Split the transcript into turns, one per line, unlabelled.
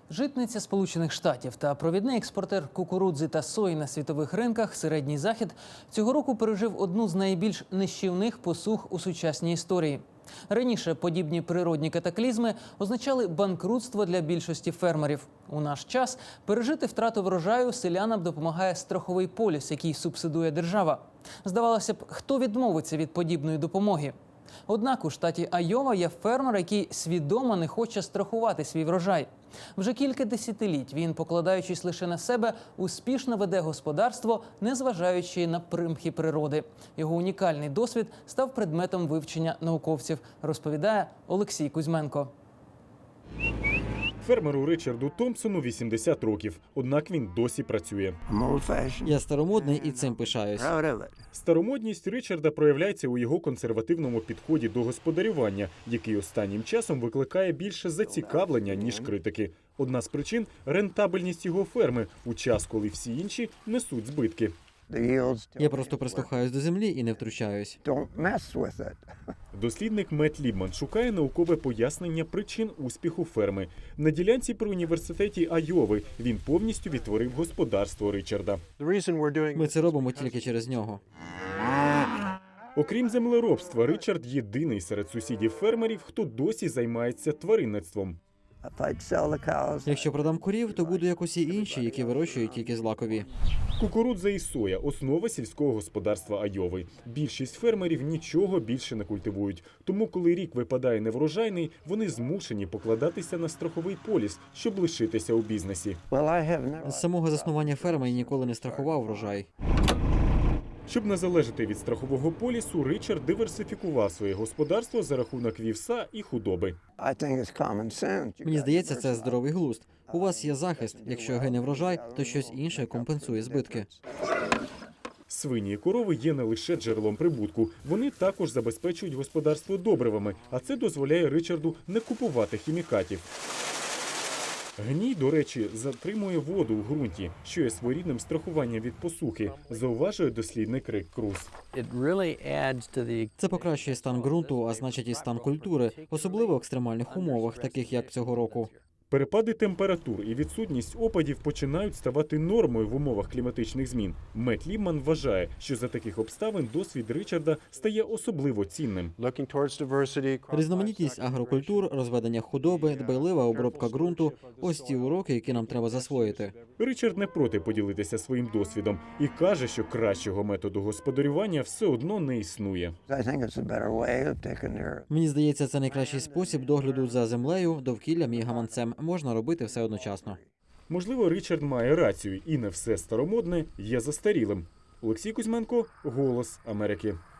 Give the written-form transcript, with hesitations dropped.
Житниця Сполучених Штатів та провідний експортер кукурудзи та сої на світових ринках Середній Захід цього року пережив одну з найбільш нищівних посух у сучасній історії. Раніше подібні природні катаклізми означали банкрутство для більшості фермерів. У наш час пережити втрату врожаю селянам допомагає страховий поліс, який субсидує держава. Здавалося б, хто відмовиться від подібної допомоги? Однак у штаті Айова є фермер, який свідомо не хоче страхувати свій врожай. Вже кілька десятиліть він, покладаючись лише на себе, успішно веде господарство, незважаючи на примхи природи. Його унікальний досвід став предметом вивчення науковців, розповідає Олексій Кузьменко.
Фермеру Ричарду Томпсону 80 років, однак він досі працює.
Я старомодний і цим пишаюсь.
Старомодність Ричарда проявляється у його консервативному підході до господарювання, який останнім часом викликає більше зацікавлення, ніж критики. Одна з причин – рентабельність його ферми у час, коли всі інші несуть збитки.
Я просто прислухаюсь до землі і не втручаюсь.
Дослідник Мет Лібман шукає наукове пояснення причин успіху ферми. На ділянці при університеті Айови він повністю відтворив господарство Ричарда.
Ми це робимо тільки через нього.
Окрім землеробства, Ричард єдиний серед сусідів фермерів, хто досі займається тваринництвом.
Якщо продам корів, то буду як усі інші, які вирощують тільки злакові.
Кукурудза і соя – основа сільського господарства Айови. Більшість фермерів нічого більше не культивують. Тому, коли рік випадає неврожайний, вони змушені покладатися на страховий поліс, щоб лишитися у бізнесі.
З самого заснування ферми я ніколи не страхував врожай.
Щоб не залежати від страхового полісу, Ричард диверсифікував своє господарство за рахунок вівса і худоби.
Мені здається, це здоровий глузд. У вас є захист. Якщо гине врожай, то щось інше компенсує збитки.
Свині і корови є не лише джерелом прибутку. Вони також забезпечують господарство добривами, а це дозволяє Ричарду не купувати хімікатів. Гній, до речі, затримує воду у ґрунті, що є своєрідним страхуванням від посухи, зауважує дослідник Рик Круз.
Це покращує стан ґрунту, а значить і стан культури, особливо в екстремальних умовах, таких як цього року.
Перепади температур і відсутність опадів починають ставати нормою в умовах кліматичних змін. Мет Лібман вважає, що за таких обставин досвід Ричарда стає особливо цінним.
Різноманітність агрокультур, розведення худоби, дбайлива обробка ґрунту – ось ті уроки, які нам треба засвоїти.
Ричард не проти поділитися своїм досвідом і каже, що кращого методу господарювання все одно не існує.
Мені здається, це найкращий спосіб догляду за землею, довкіллям і гаманцем. Можна робити все одночасно.
Можливо, Ричард має рацію, і не все старомодне є застарілим. Олексій Кузьменко, «Голос Америки».